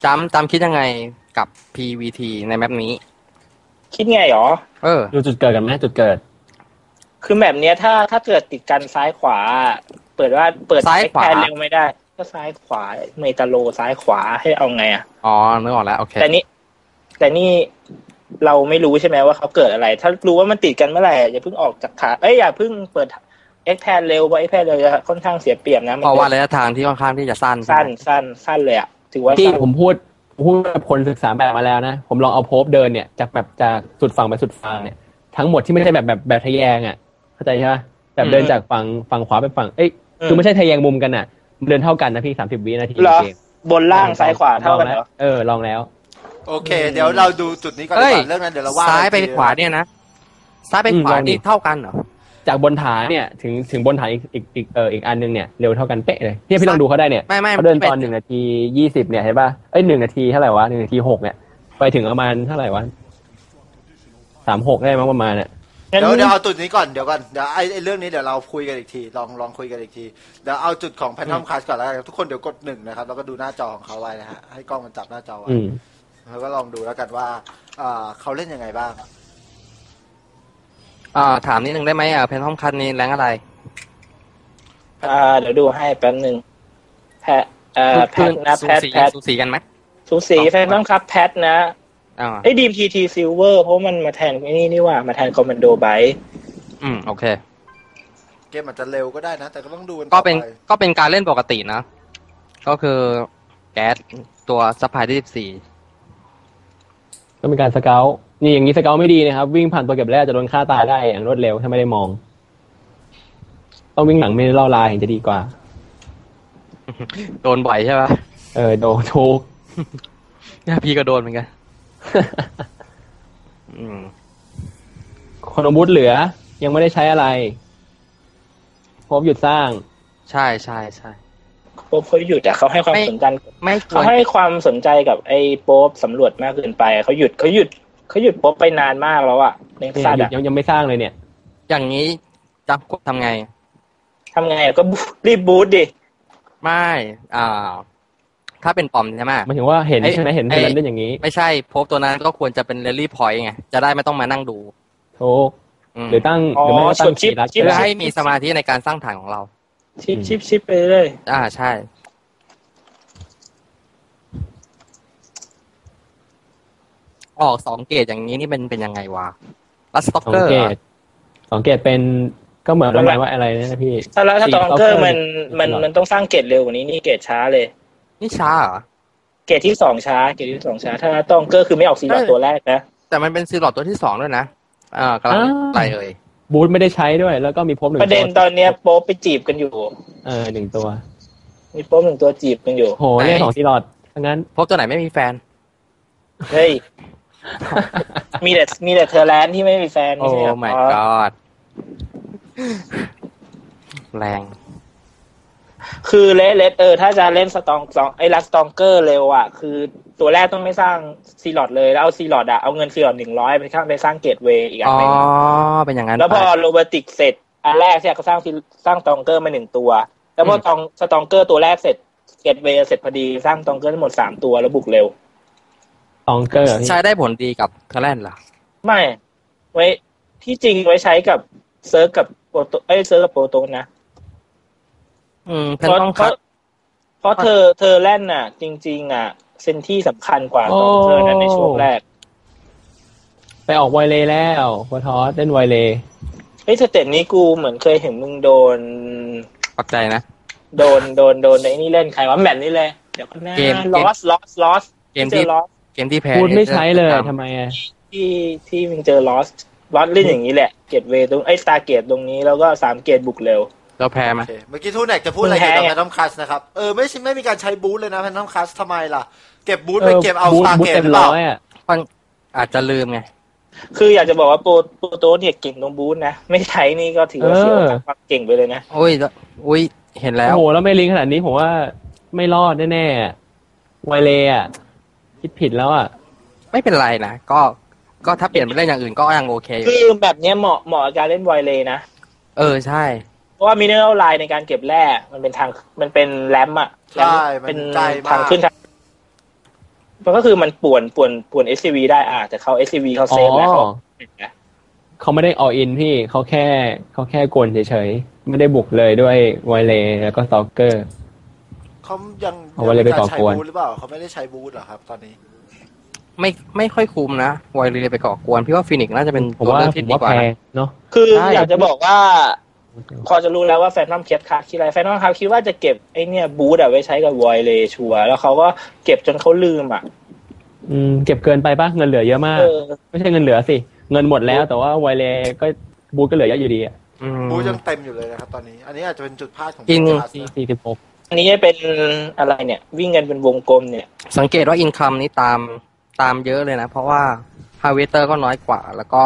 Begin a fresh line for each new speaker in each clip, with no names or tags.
จำคิดยังไงกับ PVT ในแมปนี้
คิดไงหรอ
ดูจุดเกิดกันไหมจุดเกิด
คือแบบเนี้ยถ้าเกิดติดกันซ้ายขวาเปิด
ซ้ายขวา
เร็วไม่ได้ก็ซ้ายขวาเมตาโลซ้ายขวาให้เอาไงอ่ะ
นึกออกแล้วโอเค
แต่นี่เราไม่รู้ใช่ไหมว่าเขาเกิดอะไรถ้ารู้ว่ามันติดกันเมื่อไหร่อย่าเพิ่งออกจากขาอย่าเพิ่งเปิดXแพนเร็วเพราะ Xแพนเร็วจะค่อนข้างเสียเปรียบนะ
เพราะว่าระยะทางที่ค่อนข้างที่จะสั้
นเลยอ่ะถือว่า
ที่ผมพูดกับคนศึกษาแบบมาแล้วนะผมลองเอาโพบเดินเนี่ยจากสุดฝั่งไปสุดฝั่งเนี่ยทั้งหมดที่ไม่ใช่แบบทะแยงอ่ะเข้าใจใช่ไหมแบบเดินจากฝั่งขวาไปฝั่งคือไม่ใช่ทะแยงมุมกันอ่ะเดินเท่ากันนะพี่30 วินาทีเกม
บนล่างซ้ายขวาเท่ากันเหรอ
ลองแล้ว
โอเคเดี๋ยวเราดูจุดนี้ก่อนเรื่องนั้นเดี๋ยวเราว่า
ซ้ายไปขวาเนี่ยนะซ้ายไปขวานี่เท่ากันเหรอ
จากบนฐานเนี่ยถึงบนฐานอีกอันนึงเนี่ยเร็วเท่ากันเป๊ะเลยเนี่ยพี่ลองดูเขาได้เนี่ยเขาเดินตอน1 นาที 20เนี่ยเห็นป่ะ1 นาทีเท่าไหร่วะ1 นาที 6เนี่ยไปถึงประมาณเท่าไหร่วะ36ได้มั้งประมาณเนี่ย
เดี๋ยวเอาจุดนี้ก่อนเดี๋ยวไอ้เรื่องนี้เดี๋ยวเราคุยกันอีกทีลองคุยกันอีกทีเดี๋ยวเอาจุดของแพนทอมคัสก่อนแล้วกันทุกคนเดี๋ยวกด1นะครับแล้วก็ดูหน้าจอของเขาไว้นะฮะให้กล้องมันจับหน้าจอไว้แล้วก็ลองดูแล้วกันว่าเขาเล่นยังไงบ้าง
ถามนิดนึงได้ไหมแพนทอมคัสนี่แรงอะไร
เดี๋ยวดูให้แป๊บนึงแพทนะแพท
สูสีกันไหม
สูสีแพนทอมคัสแพทนะดีมทีซิลเวอร์เพราะมันมาแทนนี่ว่ามาแทนคอมมานโดไบต์
โอเค
เกมอาจจะเร็วก็ได้นะแต่ก็ต้องดู
ก็เป็นการเล่นปกตินะก็คือแก๊สตัวซัพพลายที่14
ก็เป็นการสเกลนี่อย่างนี้สเกลไม่ดีนะครับวิ่งผ่านตัวเก็บแร่จะโดนฆ่าตายได้อย่างรวดเร็วถ้าไม่ได้มองต้องวิ่งหลังไม่ล่อลายถึงจะดีกว่า
โดนบ่อยใช่ปะ
โดนทุก
พี่ก็โดนเหมือนกัน
คนอาวุธเหลือยังไม่ได้ใช้อะไรพบหยุดสร้าง
ใช่
โป๊ปเขาหยุดแต่เขาให้ความสนใจเขาให้ความสนใจกับไอ้โป๊ปสำรวจมากเกินไปเขาหยุดโป๊ปไปนานมากแล้วอ่ะในซาด
ยังไม่สร้างเลยเนี่ย
อย่างนี้จะทำไง
ก็รีบบูทดิ
ไม่ถ้าเป็นปอมใช่ไหม
หมายถึงว่าเห็นใช่ไหมเห็นเล่นอย่างนี้
ไม่ใช่โพบตัวนั้นก็ควรจะเป็นเรลลี่พอยต์ไงจะได้ไม่ต้องมานั่งดู
ถูกหรือตั้งหรือไม่ตั้ง
ชิปเพื่อให้มีสมาธิในการสร้างฐานของเรา
ชิปไปเลย
ใช่ออก2 เกรดอย่างนี้นี่เป็นยังไงวะลัสต็อกเกอร์
2 เกรดเป็นก็เหมือนประมาณว่าอะไรนะพี่
ถ้าสต็อกเกอร์มันต้องสร้างเกรดเร็วกว่านี้นี่เกรดช้าเลย
นี่ช้าเหรอ
เกรดที่2ช้าถ้าต้องเกอร์คือไม่ออกซีลอดตัวแรกนะ
แต่มันเป็นซีลอดตัวที่2ด้วยนะกำลังไปเลย
บูทไม่ได้ใช้ด้วยแล้วก็มีโป๊ป1 ตัว
ประเด็นตอนนี้โป๊ปไปจีบกันอยู่
1 ตัว
มีโป๊ป1 ตัวจีบกันอยู่
โหเล่น2 ซีลอดงั้น
โป๊ปตัวไหนไม่มีแฟน
เฮ้ยมีแต่เธอแลนด์ที่ไม่มีแฟน
โอ้ my god แรง
คือเลสถ้าจะเล่นสตองลัสตองเกอร์เร็วอ่ะคือตัวแรกต้องไม่สร้างซีลอดเลยแล้วเอาซีลอดเอาเงินซีลอด100ไปสร้างเกตเวย์อีกอันนึง
เป็นอย่างนั้น
แล้วพอโรบอติกเสร็จอันแรกเนี่ยเขาสร้างตองเกอร์มา1 ตัวแล้วพอสตองเกอร์ตัวแรกเสร็จเกตเวย์เสร็จพอดีสร้างตองเกอร์ทั้งหมด3 ตัวแล้วบุกเร็ว
ตองเกอร์
ใช้ได้ผลดีกับเทเลนเหรอ
ไม่ไว้ที่จริงไว้ใช้กับเซิร์ฟกับโปรโตเซิร์ฟกับโปรโตนะเพราะเธอแล่นน่ะจริงๆอ่ะเซนที่สำคัญกว่าตองเกอร์นั้นในช่วงแรก
ไปออกไวเลย์แล้วพอทอสเล่นไวเลย์
สเต็ปนี้กูเหมือนเคยเห็นมึงโดน
ปักใจนะ
โดนในนี่เล่นใครวะแมตช์นี้เลยเดี๋ยวหน้าลอส
เกมที่แพ้
พูดไม่ใช้เลยทำไม
ที่มึงเจอลอสเล่นอย่างนี้แหละเกตเวย์ตรงสตาร์เกตตรงนี้แล้วก็3 เกตบุกเร็ว
เราแพ้ไหม
เมื่อกี้ทูแนกจะพูดอะไรเกี่ยวกับแพนทอมคัสนะครับไม่มีการใช้บูทเลยนะแพนทอมคัสทำไมล่ะเก็บบูทไปเก็บเอาสตาร์เกตหรือเปล่า
อาจจะลืมไง
คืออยากจะบอกว่าโปรโตเนี่ยเก่งตรงบูทนะไม่ใช้นี่ก็ถือว่าเสียความเก่งไปเลยนะ
อุ้ยเห็นแล้ว
โอ้โหแล้วไม่ลิงขนาดนี้ผมว่าไม่รอดแน่ๆไวเลย์คิดผิดแล้ว
ไม่เป็นไรนะก็ถ้าเปลี่ยนไปเล่นอย่างอื่นก็ยังโอเค
คือแบบนี้เหมาะกับการเล่นไวเลย์นะ
ใช่
เพราะว่ามิเนอรัลไลน์ในการเก็บแร่มันเป็นแรม
ใช่เป็น
ทางขึ้นมันก็คือมันป่วน SCV ได้แต่เขา SCV เขาเซฟแล้ว
เขาไม่ได้ all in พี่เขาแค่กวนเฉยๆไม่ได้บุกเลยด้วยไวเลแล้วก็สตอกเกอร์
เขายัง
เอาไว้เลยไปก่อกวน
ใช้บูธหรือเปล่าเขาไม่ได้ใช้บูธเหรอครับตอนนี้
ไม่ค่อยคุ้มนะไวเรไปก่อกวนพี่ว่าฟีนิกซ์น่าจะเป็น
ผม
ตัว
ว่า
เลือกที่ดีกว่า
แพ
นะ
งเนาะ
คือ
ใช่
อยากจะบอกว่าพอจะรู้แล้วว่าแฟนทอมคิดอะไรแฟนทอมคิดว่าจะเก็บไอ้เนี่ยบูธไว้ใช้กับไวเลชัวร์แล้วเขาก็เก็บจนเขาลืม
เก็บเกินไปป่ะเงินเหลือเยอะมากไม่ใช่เงินเหลือสิเงินหมดแล้วแต่ว่าไวเลก็บูธก็เหลือเยอะอยู่ดี
บูธยังเต็มอยู่เลยนะครับตอนนี้อันนี้อาจจะเป็นจุดพลาดของ
46
อันนี้จะเป็นอะไรเนี่ยวิ่งกันเป็นวงกลมเนี่ย
สังเกตว่าอินคัมนี้ตามเยอะเลยนะเพราะว่าฮาร์เวสเตอร์ก็น้อยกว่าแล้วก็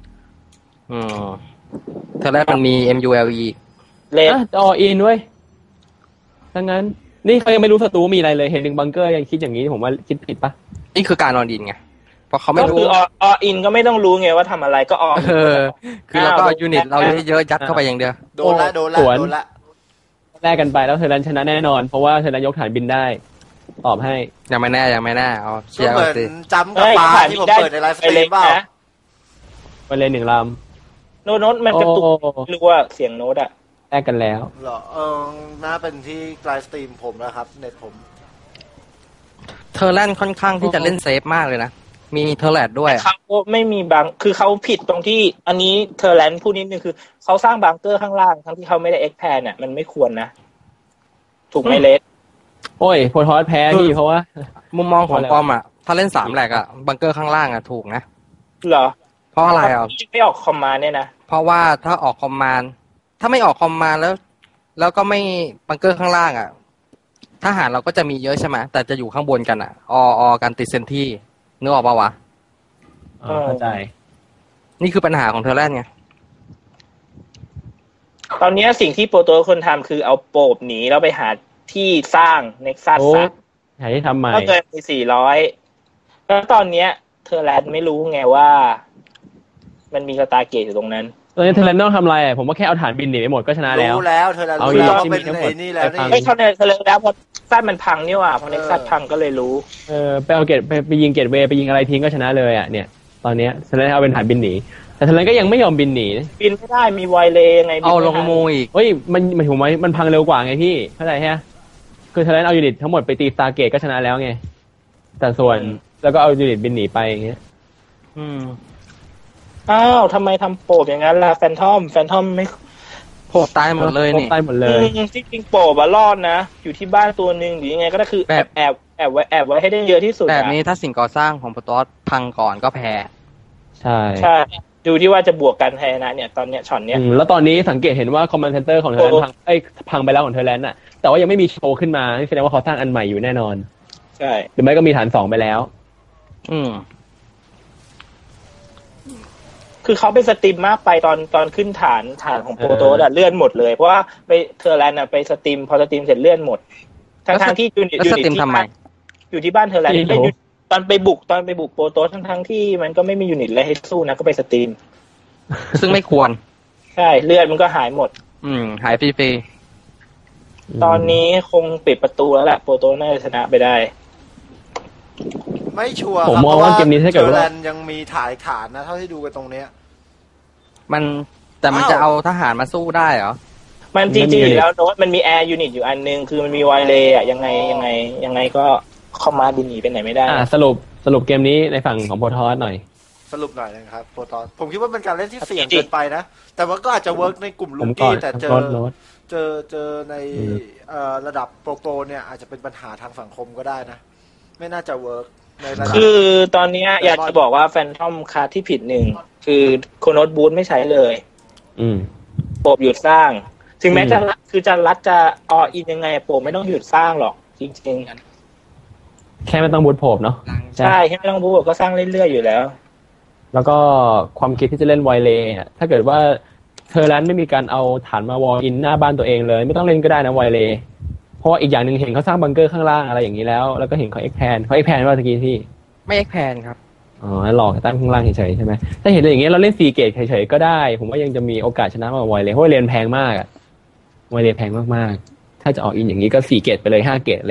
เธอแรกมันมี MULE
เลน
จะออินเว้ยถ้างั้นนี่เขายังไม่รู้ศัตรูมีอะไรเลยเห็นหนึ่งบังเกอร์ยังคิดอย่างนี้ผมว่าคิดผิดปะ
นี่คือการนอนดินไงเพราะเขาไม่รู้
ก็คือออินก็ไม่ต้องรู้ไงว่าทำอะไรก็
คือเราก็ยูนิตเราเยอะๆยัดเข้าไปอย่างเดียว
โดนละ
แลกกันไปแล้วเธอรันชนะแน่นอนเพราะว่าเธอรันยกฐานบินได้ตอบให้
ยังไม่แน่เอาเชียร์
เหมือนจำกับปลาที่ผมเปิดในไลฟ์สตรีมเปล่า
ไปเลย1 ลำ
โน้ตมันกระตุกหรือว่าเสียงโน้ต
แลกกันแล้ว
เหรอน่าเป็นที่ไลฟ์สตรีมผมแล้วครับเน็ตผม
เทอร์แลนด์ค่อนข้างที่จะเล่นเซฟมากเลยนะมีเทอร์แลนด์ด้วย
เขาไม่มีคือเขาผิดตรงที่อันนี้เทอร์แลนด์พูดนิดนึงคือเขาสร้างบังเกอร์ข้างล่างทั้งที่เขาไม่ได้เอ็กแพนมันไม่ควรนะถูกไหมเลส
โอ้ยโพทอสแพ้ที่เพราะว่า
มุมมองของปอมถ้าเล่น3แหลกบังเกอร์ข้างล่างถูกนะ
เหรอ
เพราะอะไร
ไม่ออกคอมมานด์เนี่ยนะ
เพราะว่าถ้าออกคอมมานด์ถ้าไม่ออกคอมมานด์แล้วก็ไม่บังเกอร์ข้างล่างทหารเราก็จะมีเยอะใช่ไหมแต่จะอยู่ข้างบนกันกันติดเซนที่นึกออกปะวะ
เข้าใจ
นี่คือปัญหาของเทอร์แลนด์ไง
ตอนนี้สิ่งที่โปรโตคนทำคือเอาโปบหนีแล้วไปหาที่สร้างเน็กซัส
หาที่ทำใหม่
ก็เกินไป400แล้วตอนนี้เทอร์แลนด์ไม่รู้ไงว่ามันมีสตาร์เกตอยู่ตรงนั้น
ตอนนี้เทอร์แลนด์ต้องทำอะไรผมว่าแค่เอาฐานบินหนีไปหมดก็ชนะแล้ว
รู้แล้วเทอร์แลนด์รู้แล้วว่าเป็นไอ้นี่แล้วนี่
ไม่เทอร์แลนด์แล้วพอซัดมันพังนี่ว่ะพอเน็กซัสพังก็เลยรู้
ไปเอาเกตไปยิงเกตเวย์ไปยิงอะไรทิ้งก็ชนะเลยเนี่ยตอนนี้เทอร์แลนด์เอาเป็นฐานบินหนีแต่เทอร์แลนด์ก็ยังไม่ยอมบินหนี
บินไม่ได้มีไวเลไง
เอาลงโมอีก
เฮ้ยมันถูกไหมมันพังเร็วกว่าไงพี่เข้าใจใช่ไหมคือเทอร์แลนด์เอายูนิตทั้งหมดไปตีสตาร์เกตก็ชนะแล้วไงแต่ส่วนแล้วก็เอายูนิตบินหนีไปอย่างเงี้ย
อ้าวทำไมทำโปบอย่างนั้นล่ะแฟนทอมไม่
โปบตายหมดเลยนี่
ตายหมดเลย
จริงๆโปบรอดนะอยู่ที่บ้านตัวนึงหรือยังไงก็ได้คือแอบไว้ให้ได้เยอะที่สุด
แบบนี้ถ้าสิ่งก่อสร้างของโปรโตสพังก่อนก็แพ้
ใช่
ดูที่ว่าจะบวกกันแพ้นะเนี่ยตอนเนี้ยช็อตเนี้ย
แล้วตอนนี้สังเกตเห็นว่าคอมมานด์เซ็นเตอร์ของเทอร์แลนด์พังไปแล้วของเทอร์แลนด์แต่ว่ายังไม่มีโชว์ขึ้นมาแสดงว่าเขาสร้างอันใหม่อยู่แน่นอน
ใช่
หรือไม่ก็มีฐาน2ไปแล้ว
คือเขาไปสตรีมมากไปตอนขึ้นฐานของโปรโตสเลื่อนหมดเลยเพราะว่าไปเทอร์แลนด์ไปสตรีมพอสตรีมเสร็จเลื่อนหมดทั้งที่อยู่ที่บ้านเทอร์แลนด์ตอนไปบุกโปรโตสทั้งที่มันก็ไม่มียูนิตอะไรให้สู้นะก็ไปสตรีม
ซึ่งไม่ควร
ใช่เลือดมันก็หายหมด
หายฟรี
ตอนนี้คงปิดประตูแล้วแหละโปรโตสน่าจะชนะไปได้
ไม่ชัวร์
ผมมองว่าเกมนี้ถ้าเกิดว่า
ยังมีฐานนะเท่าที่ดูกันตรงเนี้ย
แต่มันจะเอาทหารมาสู้ได้เหรอ
มันจริงๆแล้วโน้ตมันมีแอร์ยูนิตอยู่อันนึงคือมันมีไวเลย์ยังไงก็เข้ามาบินหนีไปไหนไม่ได้
สรุปเกมนี้ในฝั่งของโปรโตสหน่อย
สรุปหน่อยนะครับโปรโตสผมคิดว่าเป็นการเล่นที่เสี่ยงเกินไปนะแต่ว่าก็อาจจะเวิร์กในกลุ่มลูกี้แต่เจอในระดับโปรเนี่ยอาจจะเป็นปัญหาทางสังคมก็ได้นะไม่น่าจะเวิร์ก
คือตอนนี้อยากจะบอกว่าแฟนทอมคาร์ที่ผิดหนึ่งคือโคโนตบูธไม่ใช้เลยโปบหยุดสร้างถึงแม้จะรัดจะอินยังไงโปบไม่ต้องหยุดสร้างหรอกจริง
ๆแค่ไม่ต้องบูธโปบเนาะ
ใช่แค่ไม่ต้องบูธก็สร้างเรื่อยๆอยู่แล้ว
แล้วก็ความคิดที่จะเล่นไวเลย์ถ้าเกิดว่าเทอร์แลนด์ไม่มีการเอาฐานมาวอลอินหน้าบ้านตัวเองเลยไม่ต้องเล่นก็ได้นะไวเลย์เพราะว่าอีกอย่างหนึ่งเห็นเขาสร้างบังเกอร์ข้างล่างอะไรอย่างนี้แล้วก็เห็นเขาเอ็กแพนว่าตะกี้ที่
ไม่เอ็กแพนครับ
หลอกตั้งข้างล่างเฉยๆใช่ไหมถ้าเห็นอย่างเงี้ยเราเล่น4เกตเฉยๆก็ได้ผมว่ายังจะมีโอกาสชนะมากกว่าไวเลย์เพราะไวเลย์แพงมากไวเลย์แพงมากๆถ้าจะออกอินอย่างนี้ก็4เกตไปเลย5เกตอะไรอย่างนี้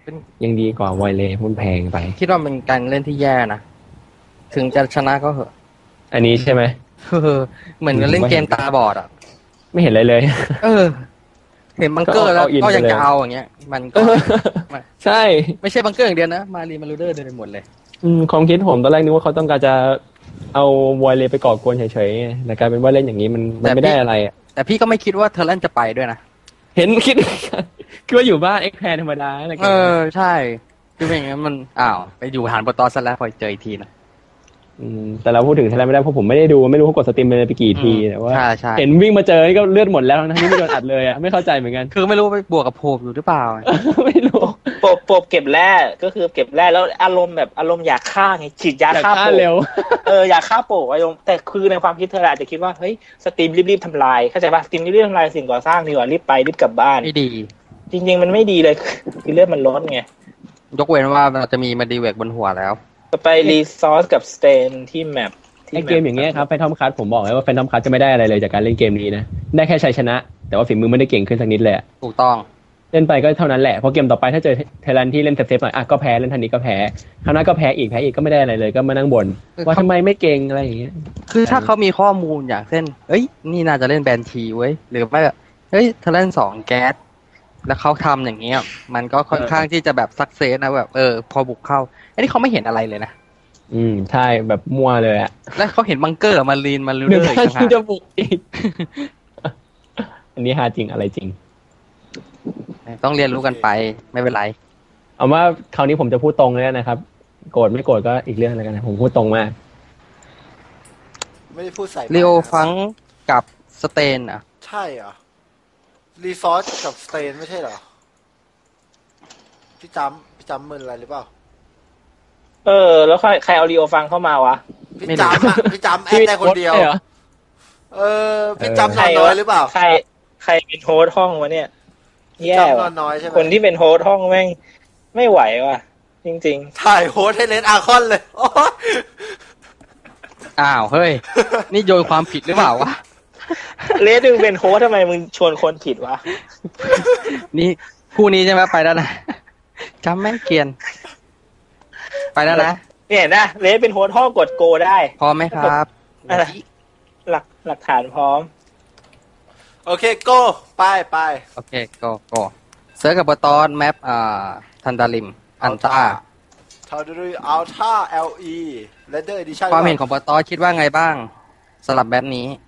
ยังดีกว่าไวเลย์มันแพงไป
คิดว่าเป็นการเล่นที่แย่นะถึงจะชนะก็เหอะ
อันนี้ใช่ไหม
เหมือนกับเล่นเกมตาบอดอ่ะ
ไม่เห็นอะไรเลย
เห็นบังเกอร์แล้ว
ก็เอาอิน
ก็ยัง
ไปเลย
จะเอาอย่างเงี้ย มันก็
ใช่
ไม่ใช่บังเกอร์อย่างเดียวนะมารีมารูเดอร์เดินไปหมดเลย
ความคิดผมตอนแรกนึกว่าเขาต้องการจะเอาไวเลย์ไปก่อกวนเฉยๆไงแต่กลายเป็นว่าเล่นอย่างนี้มันไม่ได้อะไรอ่ะ
แต่พี่ก็ไม่คิดว่าเทอร์แลนด์จะไปด้วยนะ
เห็นคิด ว่าอยู่บ้านเอ็กแพนธรรมดาอะไรกัน
ใช่คือเป็นอย่างนั้นมันไปอยู่ฐานโปรตอสซะแล้วพอเจออีกทีนะ
แต่เราพูดถึงไทยแลนด์ไม่ได้เพราะผมไม่ได้ดูไม่รู้เขากดสตรีมไปกี่ทีแต่ว่า
ใช่
เห็นวิ่งมาเจอนี่ก็เลือดหมดแล้วทั้งที่ไม่โดนอัดเลยอ่ะไม่เข้าใจเหมือนกัน
คือไม่รู้ไปบวกกับโพบอยู่หรือเปล่า
ไม่รู้
โปบเก็บแร่ก็คือเก็บแร่แล้วอารมณ์อยากฆ่าไงฉีดยา
อยาก
ฆ่า
ฆ่า
โปบ
เร็ว
อยากฆ่าโปบอารมณ์แต่คือในความคิดเธออาจจะคิดว่าเฮ้ยสตรีมรีบๆทำลายเข้าใจป่ะสตรีมรีบๆทำลายสิ่งก่อสร้างดีกว่ารีบไปรีบกลับบ้าน
ไม่ดี
จริงๆมันไม่ดีเลยคือเลือดมันลดไง
ยกเว้นว่าเราจะมีมาดีเวกบนหัวแล้ว
จะไปรีซอสกับสเตนที่แมป
ไอเกมอย่างเงี้ยครับแฟนทอมคัสผมบอกเลยว่าแฟนทอมคัสจะไม่ได้อะไรเลยจากการเล่นเกมนี้นะได้แค่ชัยชนะ แต่ว่าฝีมือไม่ได้เก่งขึ้นสักนิดเลย
ถูกต้อง
เล่นไปก็เท่านั้นแหละเพราะเกมต่อไปถ้าเจอไทยแลนด์ที่เล่นเซฟๆหน่อยก็แพ้เล่นทันนี้ก็แพ้คราวหน้าก็แพ้อีกก็ไม่ได้อะไรเลยก็มานั่งบ่นว่าทำไมไม่เก่งอะไรอย่างเงี้ย
คือถ้าเขามีข้อมูลอย่างเช่นนี่น่าจะเล่นแบนทีเว้ยหรือไม่แบบเทอร์แลนด์2แก๊สแล้วเขาทำอย่างเงี้ยมันก็ค่อนข้างที่จะแบบซักเซสนะแบบพอบุกเข้าอันนี้เขาไม่เห็นอะไรเลยนะ
ใช่แบบมั่วเลยอ่ะ
แล้วเขาเห็นบังเกอร์มารีนมารู
เดี๋
เด
ยว
อร์อีก
ท่าน
ต่างหาก
จะบุกอีก อันนี้ฮาจริงอะไรจริง
ต้องเรียนรู้กันไปไม่เป็นไร
เอาว่าคราวนี้ผมจะพูดตรงเลยนะครับโกรธไม่โกรธก็อีกเรื่องแล้วกันนะผมพูดตรงมาก
ไม่ได้พูดใส่
ลีโอฟังกับสเตนอ่ะ
ใช่เหรอรีซอสกับสเตนไม่ใช่เหรอพี่จำมึนอะไรหรือเปล่า
แล้วใครเอารีโอฟังเข้ามาวะ
พี่จำพี่จำแอดได้คนเดียว
ใช่หรอ
พี่จำนอนน้อยหรือเปล่า
ใครเป็นโฮสต์ห้องวะเนี่ยแย่
จำนอ
ว่ะ
นน้อยใช่ไหม
คนที่เป็นโฮสต์ห้องแม่งไม่ไหวว่ะจริง
ถ่ายโฮสให้เลนอาร์คอนเลยโอ๊ย
อ้าวเฮ้ย นี่โยนความผิดหรือเปล่าวะ
ๆเลสมึงเป็นโฮสต์ทำไมมึงชวนคนผิดวะ
นี่คู่นี้ใช่ไหมไปแล้วนะจำแม่งเกรียน ไปแล้วนะ
เนี่ยนะเลสเป็นโฮสต์ห้องกดโกได้
พร้อมไหมครับ
อะไร หลักฐานพร้อม
โอเคโก้ไป
โอเคก็เซิร์ชกับบตอนแมปทันดาริมอันต้า
ทาวดูอัลท่า LE Leather Edition
ความเห็นของบตอนคิดว่าไงบ้างสำหรับแบบนี้